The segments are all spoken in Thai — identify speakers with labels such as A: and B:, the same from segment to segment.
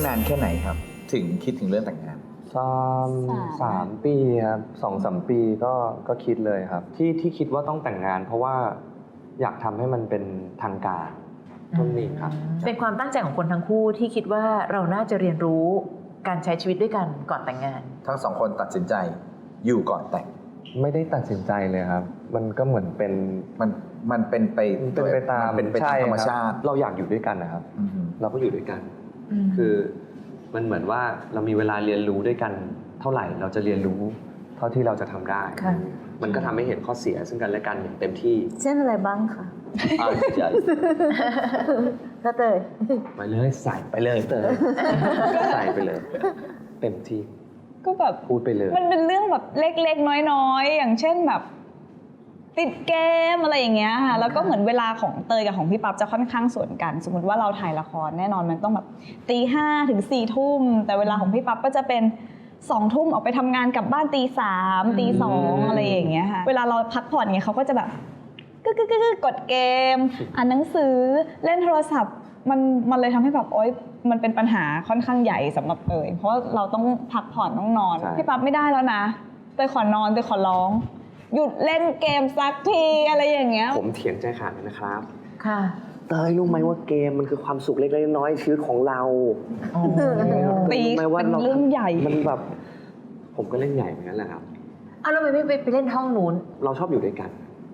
A: านแค่ไหนครับถึงคิดถึงเรื่องแต่งงาน
B: สามปีครับ2-3 ปีก็คิดเลยครับที่คิดว่าต้องแต่งงานเพราะว่าอยากทำให้มันเป็นทางการต้นนี้ครับ
C: เป็นความตั้งใจของคนทั้งคู่ที่คิดว่าเราน่าจะเรียนรู้การใช้ชีวิตด้วยกันก่อนแต่งงาน
A: ทั้งสองคนตัดสินใจอยู่ก่อนแต่ง
B: ไม่ได้ตัดสินใจเลยครับมันก็เหมือนเป็น
A: มันเป็นไป
B: ตาม
A: ธรรมชาติ
B: เราอยากอยู่ด้วยกันนะครับเราก็อยู่ด้วยกันคือมันเหมือนว่าเรามีเวลาเรียนรู้ด้วยกันเท่าไหร่เราจะเรียนรู้เท่าที่เราจะทำได้มันก็ทำให้เห็นข้อเสียซึ่งกันและกันอย่างเต็มที่
D: เช่นอะไรบ้างคะ
B: ใช่
D: ถ้าเตย
B: ไปเลยใส่ไปเลยเตยใส่ไปเลยเต็มที่
E: ก็แบบ
B: พูดไปเลย
E: มันเป็นเรื่องแบบเล็กๆน้อยๆอย่างเช่นแบบติดเกมอะไรอย่างเงี้ยค่ะแล้วก็เหมือนเวลาของเตยกับของพี่ปั๊บจะค่อนข้างสวนกันสมมติว่าเราถ่ายละครแน่นอนมันต้องแบบ5:00 ถึง 4 ทุ่มแต่เวลาของพี่ปั๊บก็จะเป็น2 ทุ่มออกไปทำงานกลับบ้าน3:00 2:00อะไรอย่างเงี้ยค่ะเวลาเราพักผ่อนเงี้ยเขาก็จะแบบกดเกมอ่านหนังสือเล่นโทรศัพท์มันเลยทำให้แบบโอ๊ยมันเป็นปัญหาค่อนข้างใหญ่สำหรับเตยเพราะเราต้องพักผ่อนต้องนอนพี่ปั๊บไม่ได้แล้วนะเตยขอนอนเตยขอร้องหยุดเล่นเกมสักทีอะไรอย่างเงี้ย
B: ผมเถียงใจขาดเลยนะครับ
C: ค่ะ
B: เตยรู้ไหมว่าเกมมันคือความสุขเล็กๆน้อยๆชีวิตของเรา
E: ตีเป็นเรื่องใหญ่
B: มันแบบผมก็เล่นใหญ่เหมือนกันแหละครับ
C: แล้วไม่ไปเล่นห้องนู้น
B: เราชอบอยู่ด้วยกัน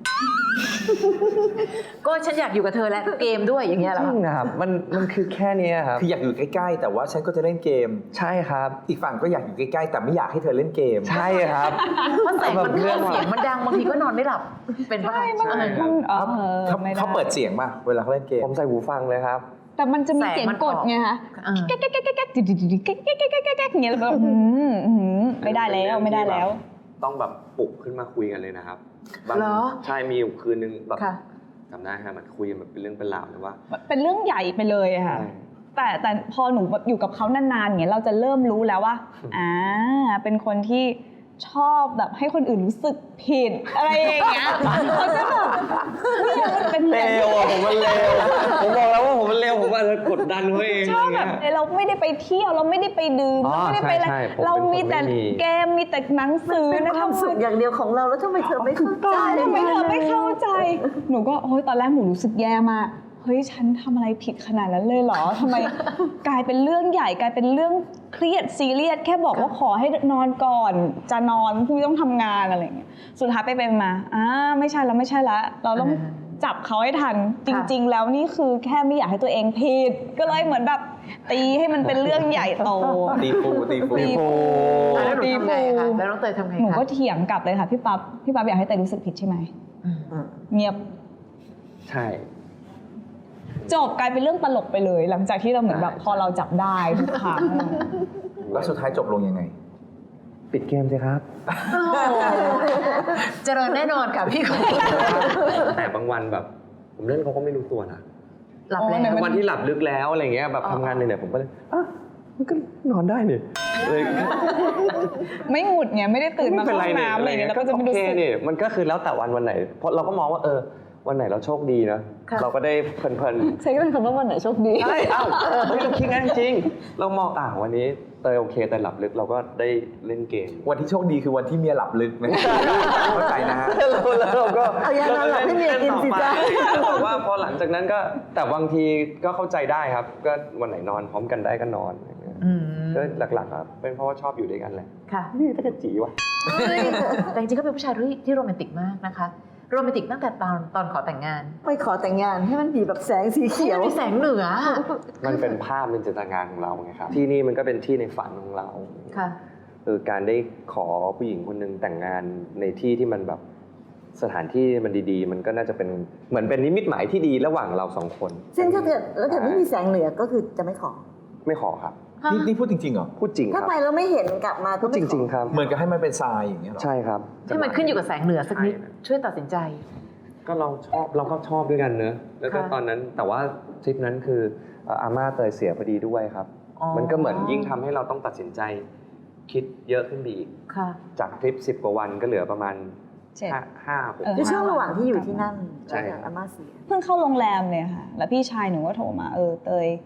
C: ก็ฉันอยากอยู่กับเธอและเกมด้วยอย่างเงี้ยเหรอ
B: จริงครับมันคือแค่นี้ครับ
A: คืออยากอยู่ใกล้ๆแต่ว่าฉันก็จะเล่นเกม
B: ใช่ครับ
A: อีกฝั่งก็อยากอยู่ใกล้ๆแต่ไม่อยากให้เธอเล่นเกม
B: ใช่ครับ
C: เพราะแสงมันเข้าเสียงมันดังบางทีก็นอนไม่หลับเป็นปะ
A: เขาเปิดเสียงป่ะเวลาเขาเล่นเกม
B: ผมใส่หูฟังเลยครับ
E: แต่มันจะมีเสียงกดไงคะแก๊กแก๊กแก๊กแก๊กแก๊กแก๊กอย่างเงี้ยแบบไม่ได้แล้ว
B: ต้องแบบปลุกขึ้นมาคุยกันเลยนะครับใช่มีอยู่คืนนึงแบบจำได้ครับมันคุยกันแบบเป็นเรื่องเป็นราวเลยว่า
E: เป็นเรื่องใหญ่ไปเลยค่ะแต่พอหนูอยู่กับเขานานๆอย่างเงี้ยเราจะเริ่มรู้แล้วว่าเป็นคนที่ชอบแบบให้คนอื่นรู้สึกผิดอะไรอย่างเงี้ยเขาจะแบบ
B: เป็นเลวผมมันเลวผมบอกแล้วว่าผมมันเลวผมอาจจะกดดันเขาเอง
E: ชอบแบบเราไม่ได้ไปเที่ยวเราไม่ได้ไปดื่มเราไม่ได้ไปอะไรเรามีแต่เกมมีแต่หนังสือ
D: นะความสุขอย่างเดียวของเราแล้วทำไมเธอไม่เข้าใจ
E: ทำไมเธอไม่เข้าใจหนูก็โอ๊ยตอนแรกหนูรู้สึกแย่มากเฮ้ยฉันทำอะไรผิดขนาดนั้นเลยเหรอทำไมกลายเป็นเรื่องใหญ่กลายเป็นเรื่องเครียดซีเรียสแค่บอกว่าขอให้นอนก่อนจะนอนพรุ่งนี้ต้องทำงานอะไรอย่างเงี้ยสุดท้ายไปมาไม่ใช่แล้วเราต้องจับเขาให้ทันจริงๆแล้วนี่คือแค่ไม่อยากให้ตัวเองผิดก็เลยเหมือนแบบตีให้มันเป็นเรื่องใหญ่โต
A: ตีฟู
C: แล้วน้องเตยทำไง
E: หนูก็เถียงกลับเลยค่ะพี่ปั๊บอยากให้เตยรู้สึกผิดใช่ไหมเงียบ
B: ใช่
E: จบกลายเป็นเรื่องตลกไปเลยหลังจากที่เราเหมือนแบบพอเราจับได้ทุกครั้ง
A: แล้วสุดท้ายจบลงยังไง
B: ปิดเกมสิครับ
C: เจริญแน่นอนค่ะพี่คน
B: แต่บางวันแบบผมเล่นเขาก็ไม่รู้ตัวนะ
C: หลับแล้ว
B: วันที่หลับลึกแล้วอะไรเงี้ยแบบทำงานเหนื่อยผมก็เลยมันก็นอนได้นี่เลย
E: ไม่หงุดไงไม่ได้ตื่นมาเข้าห้องน้ำอะไรเงี้ยแล้วก็จะไม่รู้สึก
B: นี่มันก็คือแล้วแต่วันไหนเพราะเราก็มองว่าวันไหนเราโชคดีนะเราก็ได้เพลิน
E: ใช้เป็นคำว่าวันไหนโชคดี
B: ใช่เราคิดงั้นจริงเรามองวันนี้เตยโอเคแต่หลับลึกเราก็ได้เล่นเกม
A: วันที่โชคดีคือวันที่เมียหลับลึกนะเข้าใจนะฮะ
B: เราก็
D: หลับให้เมียกินสิจ้า
B: บอกว่าพอหลังจากนั้นก็แต่บางทีก็เข้าใจได้ครับก็วันไหนนอนพร้อมกันได้ก็นอนก็หลักๆครับเป็นเพราะว่าชอบอยู่ด้วยกันแหละ
C: ค่ะ
B: นี่ตะกะจีวะ
C: แต่จริงๆก็เป็นผู้ชายที่โรแมนติกมากนะคะโรแมนติกตั้งแต่ตอนขอแต่งงาน
D: ไม่ขอแต่งงานให้มันมีแบบแสงสีเขียว
C: มีแสงเหนือ
B: มันเป็นภาพเป็นจินตนาการของเราไงครับที่นี่มันก็เป็นที่ในฝันของเรา
C: ค่ะ
B: การได้ขอผู้หญิงคนนึงแต่งงานในที่ที่มันแบบสถานที่มันดีๆมันก็น่าจะเป็นเหมือนเป็นนิมิตหมายที่ดีระหว่างเราสองคน
D: ซึ่งถ้าเกิดไม่มีแสงเหนือก็คือจะไม่ขอ
B: ครับ
A: นี่พูดจริงๆเหรอ
B: พูดจริงครับ
D: ถ้าไปแล้วไม่เห็นกลับมา
B: พูดจริงๆครับ
A: เหมือนกับให้มันเป็นทรายอย่างเงี้ยหรอ
B: ใช่ครับ
C: ให้มันขึ้นอยู่กับแสงเหนือสักนิดช่วยตัดสินใจ
B: ก็เราก็ชอบด้วยกันเนอะแล้วก็ตอนนั้นแต่ว่าทริปนั้นคืออาม่าเตยเสียพอดีด้วยครับมันก็เหมือนยิ่งทำให้เราต้องตัดสินใจคิดเยอะขึ้นไปอีกจากทริป10 กว่าวันก็เหลือประมาณ5-6
D: ในช่วงระหว่างที่อยู่ที่นั่นอาม่าเสีย
E: เพิ่งเข้าโรงแรมเลยค่ะแล้วพี่ชายหนูก็โทรมาเตย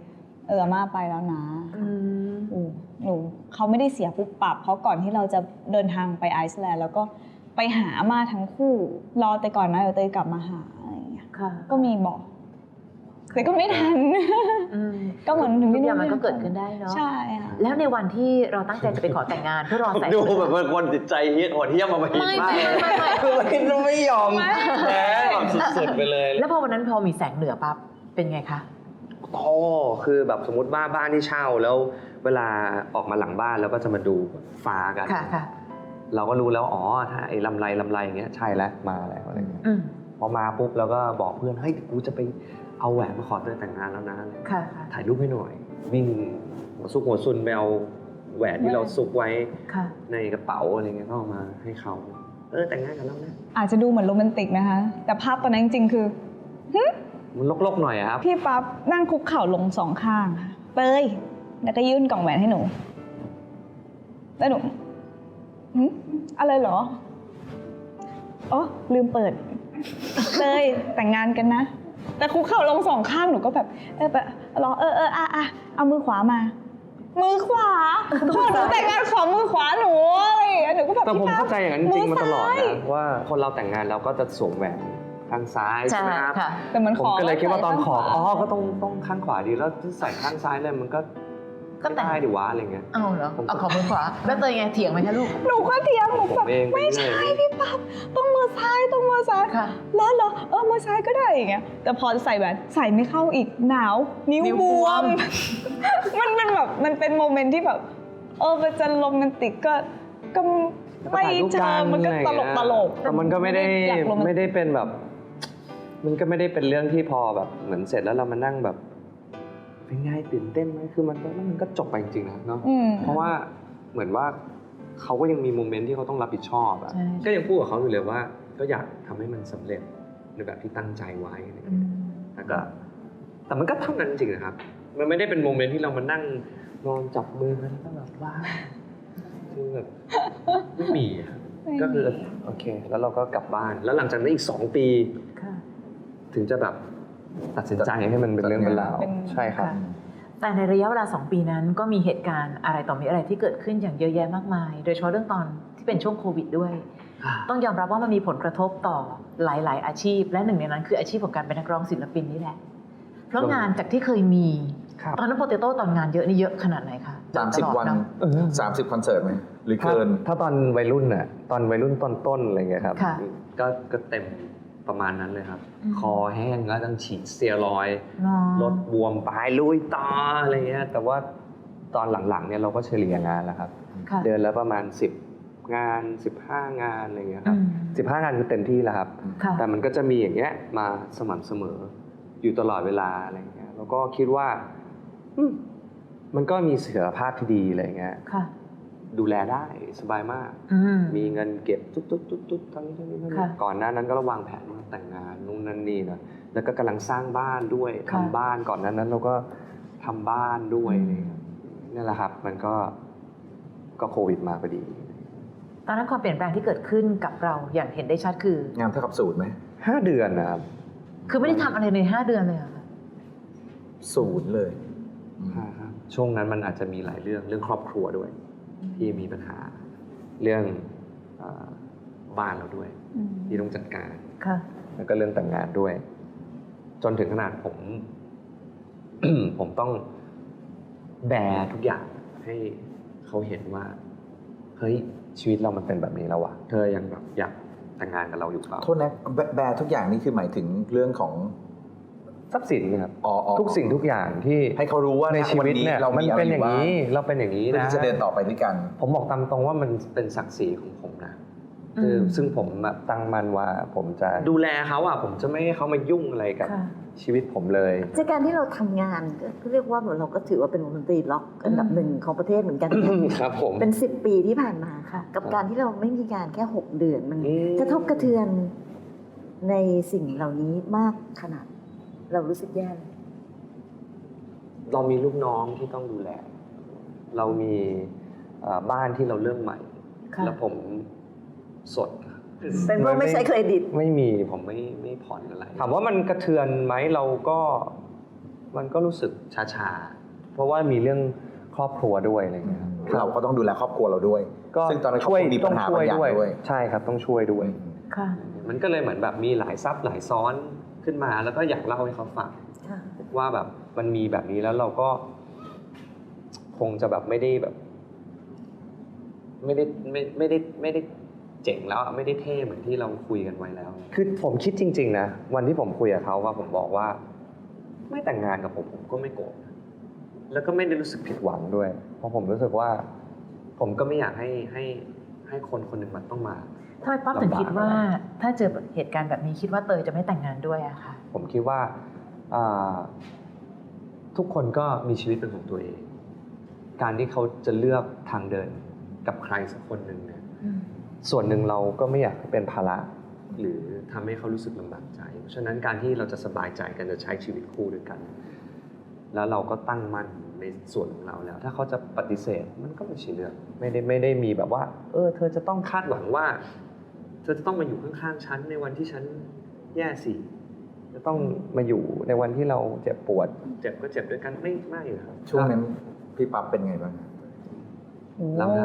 E: อาม่าไปแล้วนะ
C: อืม
E: หนูเขาไม่ได้เสียปุ๊บปับเพราะก่อนที่เราจะเดินทางไปไอซ์แลนด์แล้วก็ไปหาอาม่าทั้งคู่รอแต่ก่อนนะเดี๋ยวเตยกลับมาหาอะไรอย่างเงี้ย
C: ค่ะ
E: ก็มีบอกแต่ก็ไม่ทัน
C: อืม
E: ก็เหมือนถึง
C: ทุ
E: ที่
C: กอย่าง
E: นู่น
C: มันก็เกิดขึ้นได้เนาะ
E: ใช่ค่ะ
C: แล้วในวันที่เราตั้งใจจะไปขอแต่งงานเพื่อรอสาย
B: ดูแบบเป็นคนจิตใจเฮี้ยนโหดเหี้ยมมาหินมากคือมันไม่ยอมแพ้แบบสุดๆไปเลย
C: แล้วพอวันนั้นพอมีแสงเหนือปั๊บเป็นไงคะ
B: คือแบบสมมติว่าบ้านที่เช่าแล้วเวลาออกมาหลังบ้านแล้วก็จะมาดูฟ้ากัน
C: ค่ะค่ะ
B: เราก็รู้แล้วอ๋อถ้าไอ้ลำไรอย่างเงี้ยใช่แล้วมาแล้วอะไรเงี้ย
C: อืม
B: พอมาปุ๊บเราก็บอกเพื่อนเฮ้ยกูจะไปเอาแหวนมาขอเธอแต่งงานแล้วนะ
C: ค่ะค่ะ
B: ถ่ายรูปให้หน่อยวิ่งหัวซุกหัวซุนไปเอาแหวนที่เราซุกไว้
C: ค่ะ
B: ในกระเป๋าอะไรเงี้ยก็เอามาให้เขาแต่งงานกันแล้วนะ
E: อาจจะดูเหมือนโรแมนติกนะคะ แต่ภาพตอนนั้นจริงๆคือ
B: มันลกๆหน่อยอะครับ
E: พี่ปั๊บนั่งคุกเข่าลงสองข้างค่ะเตยแล้วก็ยื่นกล่องแหวนให้หนูแล้วหนูอะไรเหรออ๋อลืมเปิดเตยแต่งงานกันนะ แต่คุกเข่าลงสองข้างหนูก็แบบแบบรอเอามือขวามา มือขวาพอหนูแต่งงานขอมือขวาหนูอะไรอย่างเงี้ยหนูก็แบบ
B: แต่ผม
E: พี่ปั๊บ
B: เข้าใจอย่างนั้นจริงๆมาตลอด
E: มืซ้ย
B: นะว่าคนเราแต่งงานแล้วก็จะสวมแหวนข้างซ้ายใช่ไหมครับ
C: ค่ะ
E: แต่มัน
B: ผ
E: ข
B: ม
E: อ
B: ก็เลยคิดว่าตอนขอ
E: ใส่ข้างขวา
B: ก็ต้องข้างขวาดีแล้วใส่ข้างซ้ายเลยมันก็
C: ก็แต่ง
B: ได้ดิวะอะไรเงี้ย
C: เอาเหรอเอาขอมือขวาแล้วเตยไงเถียงไหมคะลูก
E: หนูก็เทียมหนู
B: ผ
E: แบบ
B: มเองไป
E: ไม่
B: เรื่อย
E: ใช่พี่ปั๊บต้องมือซ้ายต้องมือซ้าย
C: ค่ะ
E: แล้วเหรอมือซ้ายก็ได้อย่างเงี้ยแต่พอจะใส่แหวนใส่ไม่เข้าอีกหนาวนิ้ว
C: นิ้ว
E: บบ ว
C: ว
E: ม
C: ม
E: มันเป็นแบบมันเป็นโมเมนต์ที่แบบมันจะโรแมนติกก็ไม่เจอมันก็ตลก
B: แต่มันก็ไม่ได้
E: อยากโรแมนติก
B: ไม่ได้เป็นแบบ มันก็ไม่ได้เป็นเรื่องที่พอแบบเหมือนเสร็จแล้วเรามานั่งแบบเป็นไงตื่นเต้นไหมคือมันก็จบไปจริงๆนะเนาะ เพราะว่าเหมือนว่าเขาก็ยังมีโมเมนต์ที่เขาต้องรับผิดชอบอะ
C: ใช่
B: ก็ยังพูดกับเขาอยู่เลยว่า ก็อยากทำให้มันสำเร็จในแบบที่ตั้งใจไว้อะไรอย่าง
C: อื
B: เงี้ย
C: ม
B: แล้วก็แต่มันก็เท่านั้นจริงๆนะครับ มันไม่ได้เป็นโมเมนต์ที่เรามานั่งนอนจับมือกันแล้วก็แบบว่าคือแบบไม่มีอะครับก็คือโอเค แล้วเราก็กลับบ้าน แล้วหลังจากนั้นอีก2 ปี
C: ค่ะ
B: ถึงจะแบบตัดสินใจให้มันเป็นเรื่องเป็นราวใช่ครับ
C: ค่ะ แต่ในระยะเวลา2 ปีนั้นก็มีเหตุการณ์อะไรต่อมีอะไรที่เกิดขึ้นอย่างเยอะแยะมากมาย โดยเฉพาะเรื่องตอนที่เป็นช่วงโควิดด้วย ต้องยอมรับว่ามันมีผลกระทบต่อหลาย ๆ อาชีพ และหนึ่งในนั้นคืออาชีพของการเป็นนักร้องศิลปินนี่แหละ เพราะงานจากที่เคยมี
B: ครับ
C: ตอนนั้นโปเตโต้ตอนงานเยอะนี่เยอะขนาดไหนคะ
A: 30 วัน
C: ตลอดเอะ
A: 30 คอนเสิร์ตไหมหรือ
B: ถ้า
A: เกิน
B: ถ้าตอนวัยรุ่นน่ะตอนวัยรุ่นต้นๆอะไรเงี้ยครับ
C: ค่ะ
B: ก็เต็มประมาณนั้นเลยครับ
C: อืม
B: คอแห้งก็ต้องฉีดสเตียรอยด์
C: เนาะ
B: ลดบวมปลายลุยต่ออะไรเงี้ยแต่ว่าตอนหลังๆเนี่ยเราก็เฉลี่ยงานแล้วครับ
C: ค่ะ
B: เดือนละประมาณ10 งาน 15 งานอะไรเงี้ยค
C: อื
B: รับ
C: ม
B: 15 งานคือเต็มที่แล้วครับ
C: ค่ะ
B: แต่มันก็จะมีอย่างเงี้ยมาสม่ำเสมออยู่ตลอดเวลาอะไรเงี้ยแล้วก็คิดว่ามันก็มีเสถียรภาพที่ดีอะไรเงี้ย
C: ค่ะ
B: ดูแลได้สบายมาก
C: อืม
B: มีเงินเก็บตุ๊ดทั้งนี้
C: ค่ะ
B: ก่อนหน้านั้นก็ระวางแผนว่าแต่งงานนู่นนั่นนี่นะแล้วก็กำลังสร้างบ้านด้วย
C: ค่ะ
B: ทำบ้านก่อนนั้นเราก็ทำบ้านด้วยอะไรเงี้ยนี่แหละครับ มันก็โควิดมาพอดี
C: ตอนนั้นความเปลี่ยนแปลงที่เกิดขึ้นกับเราอย่างเห็นได้ชัดคือ
A: งานเท่ากับศูนย์ไหม
B: 5 เดือนนะครับ
C: คือไม่ได้ทำอะไรใน5 เดือนเลยเหรอคะ
A: ศูนย์เลยอืม
B: ครับช่วงนั้นมันอาจจะมีหลายเรื่องครอบครัวด้วย ที่มีปัญหาเรื่องบ้านเราด้วย ที่ต้องจัดการ
C: ค่ะ
B: แล้วก็เรื่องแต่งงานด้วย จนถึงขนาดผม ผมต้องแบร์ทุกอย่างให้เขาเห็นว่าเฮ้ยชีวิตเรามันเป็นแบบนี้แล้ววะเธอยังแบบอยากแต่งงานกับเราอยู่เปล่า
A: โทษนะแบร์ทุกอย่างนี่คือหมายถึงเรื่องของ
B: ทรัพย์สินครับ
A: อ๋อ
B: ทุกสิ่งทุกอย่างที่
A: ให้เขารู้ว่า
B: ในชีวิตเนี่ย
A: เรา
B: มัน
A: มีอะไร
B: เป็นอย่างนี้
A: บ้
B: เราเป็นอย่างนี้
A: เพื่อ
B: นะ
A: ที่จะเดินต่อไปด้วยกัน
B: ผมบอกตามตรงว่ามันเป็นศักดิ์ศรีของผมนะ
C: อืม
B: คือซึ่งผมแบบตั้งมั่นว่าผมจะดูแลเขาอ่ะผมจะไม่ให้เขามายุ่งอะไรกับ
C: ค่ะ
B: ชีวิตผมเลย
D: จากการที่เราทำงานก็เรียกว่าเหมือนเราก็ถือว่าเป็นวงดนตรีล็อกอันดับหนึ่งของประเทศเหมือนกัน
B: ครับผม
D: เป็น10 ปีที่ผ่านมาค่ะ กับการที่เราไม่มีงานแค่6 เดือนมันกระทบกระเทือนในสิ่งเหล่านี้มากขนาด เรารู้สึกแย่เลย
B: เรามีลูกน้องที่ต้องดูแล เรามีบ้านที่เราเริ่มใหม่
C: ค่ะ
B: แล้วผมสด
D: เป็นเพราะไม่ใช้เครดิต
B: ไม่มีผมไม่ผ่อนอะไรถามว่ามันกระเทือนไหมเราก็มันก็รู้สึกชาราะว่ามีเรื่องครอบครัวด้วยอะไรเงี้ยครับ
A: เราก็ต้องดูแลครอบครัวเราด้วย
B: ก็
A: ซึ่งตอนนั้นครอบครัวมีปัญหาบางอย่างด้วย
B: ใช่ครับต้องช่วยด้วย
C: ค่ะ
B: มันก็เลยเหมือนแบบมีหลายซับหลายซ้อนขึ้นมาแล้วก็อยากเล่าให้เขาฟัง
D: ค่ะ
B: ว่าแบบมันมีแบบนี้แล้วเราก็คงจะแบบไม่ได้แบบ ไม่ได้เจ๋งแล้วไม่ได้เท่เหมือนที่เราคุยกันไว้แล้ว คือผมคิดจริงๆนะวันที่ผมคุยกับเขาว่าผมบอกว่า ไม่แต่งงานกับผมก็ไม่โกรธแล้วก็ไม่ได้รู้สึกผิดหวังด้วย เพราะผมรู้สึกว่า ผมก็ไม่อยากให้คนคนหนึ่งมันต้องมา
C: ทำไมป๊อปถึงคิดว่าถ้าเจอเหตุการณ์แบบนี้คิดว่าเตยจะไม่แต่งงานด้วยอะค่ะ
B: ผมคิดว่าทุกคนก็มีชีวิตเป็นของตัวเอง การที่เขาจะเลือกทางเดินกับใครสักคนหนึ่งเนี่ยส่วนหนึ่งเราก็ไม่อยากเป็นภาระหรือทำให้เขารู้สึกลำบากใจ เพราะฉะนั้นการที่เราจะสบายใจกันจะใช้ชีวิตคู่ด้วยกัน แล้วเราก็ตั้งมั่นในส่วนของเราแล้ว ถ้าเขาจะปฏิเสธมันก็ไม่ใช่เรื่องไม่ได้มีแบบว่าเธอจะต้องคาดหวังว่า เธอจะต้องมาอยู่ข้างๆฉันในวันที่ฉันแย่สิจะต้องมาอยู่ในวันที่เราเจ็บปวด เจ็บก็เจ็บด้วยกันไม่ครับ
A: ช่วงนั้นพี่ปั๊บเป็นไงบ้าง
B: เราได้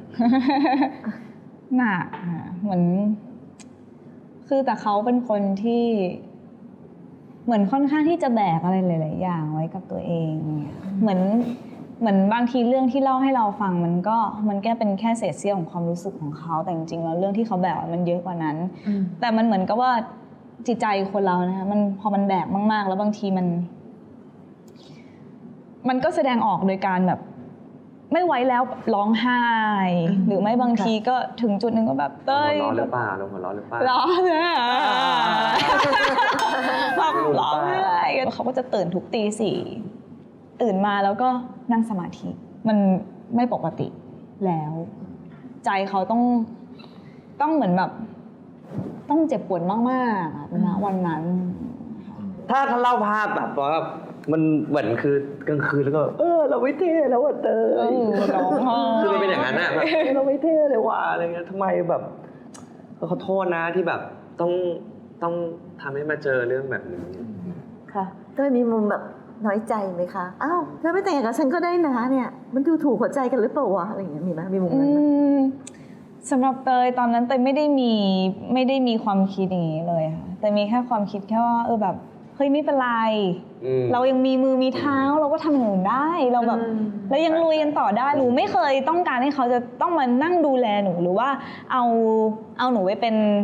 E: หนักค่ะเหมือนคือแต่เขาเป็นคนที่เหมือนค่อนข้างที่จะแบกอะไรหลายๆอย่างไว้กับตัวเองเนี่ยเหมือนบางทีเรื่องที่เล่าให้เราฟังมันแค่เป็นแค่เศษเสี้ยวของความรู้สึกของเขาแต่จริงๆแล้วเรื่องที่เขาแบกมันเยอะกว่านั้นแต่มันเหมือนกับว่าจิตใจคนเรานะคะมันพอมันแบกมากๆแล้วบางทีมันก็แสดงออกโดยการแบบไม่ไหวแล้วร้องไห้หรือไม่บางทีก็ถึงจุดหนึ่งก็แบบเต้ย
B: หัวเราะหรือเปล่าเราหัวเราะหรือเปล่า
E: ร้องเลยแบบร้องไห้เขาก็จะตื่นทุกตี 4ตื่นมาแล้วก็นั่งสมาธิมันไม่ปกติแล้ว ใจเขาต้องเหมือนแบบต้องเจ็บปวดมากๆนะวันนั้น
B: ถ้าเล่าภาพแบบว่ามันเหมือนคือกลางคืนแล้วก็เราไม่เท่แล้วอ่ะเตย
E: ร้องไห้
B: คือมันเป็นอย่างนั้นอะแบบเราไม่เท่เลยว่ะอะไรเงี้ยทำไมแบบขอโทษนะที่แบบต้องทำให้มาเจอเรื่องแบบนี้
C: ค่ะ
D: เต้ยมีมุมแบบน้อยใจไหมคะ อ้าวเธอไม่แต่งงานกับฉันก็ได้นะเนี่ย มันดูถูกหัวใจกันหรือเปล่าวะอะไรอย่างเงี้ยมีไหมมีมุมนั้นไหม
E: สำหรับเตยตอนนั้นเตยไม่ได้มีความคิดอย่างนี้เลยค่ะแต่มีแค่ความคิดแค่ว่าแบบเฮ้ยไม่เป็นไรเรายังมีมือมีเท้าเราก็ทำอย่างอื่นได้เราแบบแล้วยังลุยกันต่อได้หนูไม่เคยต้องการให้เขาจะต้องมานั่งดูแลหนูหรือว่าเอาหนูไป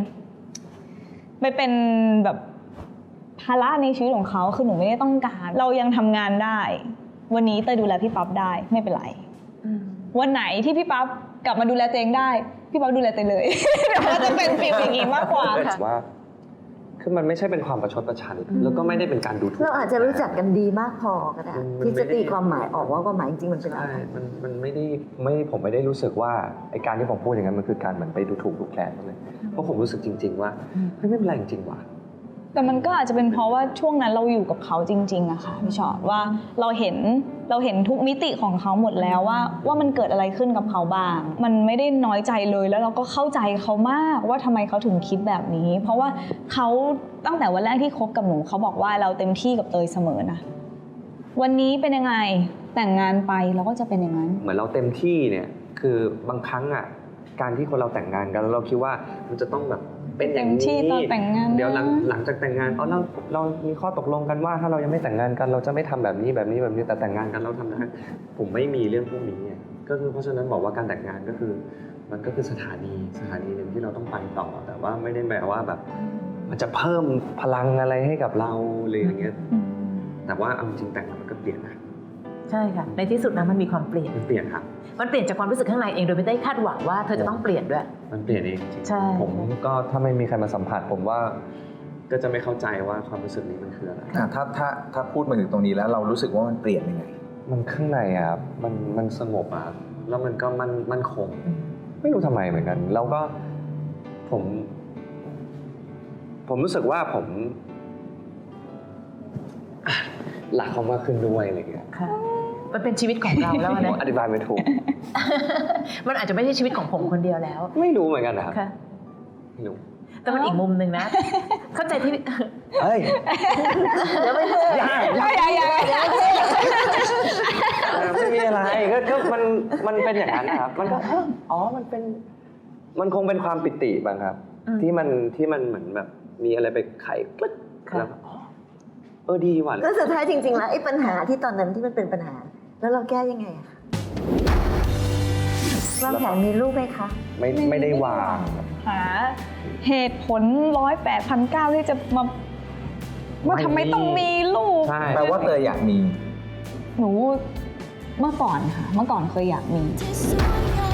E: เป็นแบบภาระในชีวิตของเขาคือหนูไม่ได้ต้องการเรายังทำงานได้ วันนี้เตยดูแลพี่ปั๊บได้ไม่เป็นไรวันไหนที่พี่ปั๊บกลับมาดูแลตัวเองได้พี่ปั๊บดูแลเตยเลย เดี๋ยวมันจะเป็นฟีลอย่างนี้มากกว่าค่ะ
B: ว่าคือมันไม่ใช่เป็นความประชดประชันแล้วก็ไม่ได้เป็นการดูถูก
D: เราอาจจะรู้จักกันดีมากพอก็ได้ที่จะตีความหมายออกว่าความหมายจริงๆมันเป็นอะไร
B: ใช่มันไม่ได้ผมไม่ได้รู้สึกว่าไอ้การที่ผมพูดอย่างนั้นมันคือการเหมือนไปดูถูกดูแคลนเขาเลยเพราะผมรู้สึกจริงๆว่าไม่เป็นไรจริงๆว่ะ
E: แต่มันก็อาจจะเป็นเพราะว่าช่วงนั้นเราอยู่กับเขาจริงๆอะค่ะพี่ชอตว่าเราเห็นทุกมิติของเขาหมดแล้วว่ามันเกิดอะไรขึ้นกับเขาบ้างมันไม่ได้น้อยใจเลยแล้วเราก็เข้าใจเขามากว่าทำไมเขาถึงคิดแบบนี้ เพราะว่าเขาตั้งแต่วันแรกที่คบกับหนูเขาบอกว่าเราเต็มที่กับเตยเสมอนะวันนี้เป็นยังไงแต่งงานไปเราก็จะเป็นอย่างนั้น
B: เหมือนเราเต็มที่เนี่ยคือบางครั้งอ่ะการที่คนเราแต่งงานกันแล้วเราคิดว่ามันจะต้องแบบเป็นอย่างนี้
E: เต็มที่ตอนแต่งงานนะ
B: เดี๋ยวหลังจากแต่งงานเรามีข้อตกลงกันว่าถ้าเรายังไม่แต่งงานกันเราจะไม่ทำแบบนี้แต่แต่งงานกันเราทำได้ผมไม่มีเรื่องพวกนี้ก็คือเพราะฉะนั้นบอกว่าการแต่งงานก็คือมันก็คือสถานีหนึ่งที่เราต้องไปต่อแต่ว่าไม่ได้แปลว่าแบบมันจะเพิ่มพลังอะไรให้กับเราเลยอย่างเงี้ยแต่ว่าเอาจริงแต่งมันก็เปลี่ยนนะ
C: ใช่ค่ะในที่สุดนะมันมีความเปลี่ยน
B: มันเปลี่ยนครับ
C: มันเปลี่ยนจากความรู้สึกข้างในเองโดยไม่ได้คาดหวังว่าเธอจะต้องเปลี่ยนด้วย
B: มันเปลี่ยนเองจริง
C: ใช่
B: ผมก็ถ้าไม่มีใครมาสัมผัสผมว่าก็จะไม่เข้าใจว่าความรู้สึกนี้มันคืออะไร
A: ถ้าพูดมาถึงตรงนี้แล้วเรารู้สึกว่ามันเปลี่ยนยังไง
B: มันข้างในอะครับมันสงบอะครับแล้วมันก็มั่นคง ไม่รู้ทำไมเหมือนกัน แล้วก็ผมรู้สึกว่าผมรักเขามากขึ้นด้วยอะไรเงี้ย
C: ค่ะมันเป็นชีวิตของเราแล้วนะ
B: อธิบายไม่ถูก
C: มันอาจจะไม่ใช่ชีวิตของผมคนเดียวแล้ว
B: ไม่รู้เหมือนกันนะครับ
C: ค่ะ
B: ไม่รู้
C: แต่มันอีกมุมหนึ่งนะ เข้าใจที่
B: เฮ้ย
D: เดี๋ยวไม่เถอะ
B: อย่า ไม่มีอะไรก็มันเป็นอย่างนั้นนะครับ มันก็อ๋อมันคงเป็นความปิติบ้างครับ
C: อืม
B: ที่มันเหมือนแบบมีอะไรไปไขกลึ๊ก
C: ค่ะ
B: แล้วก็อ๋อดีว่ะ
D: แล้วสุดท้ายจริงๆแล้วไอ้ปัญหาที่ตอนนั้นที่มันเป็นปัญหา แล้วเราแก้ยังไงอะคะวางแผนมีลูกไหมคะ
B: ไม่ได้วาง
E: หาเหตุผล108,900ที่จะมาว่าทำไมต้องมีลูก
B: ใช่
A: แปลว่าเตยอยากมี
E: หนูเมื่อก่อนค่ะ เมื่อก่อนเคยอยากมี
F: ที่สวยง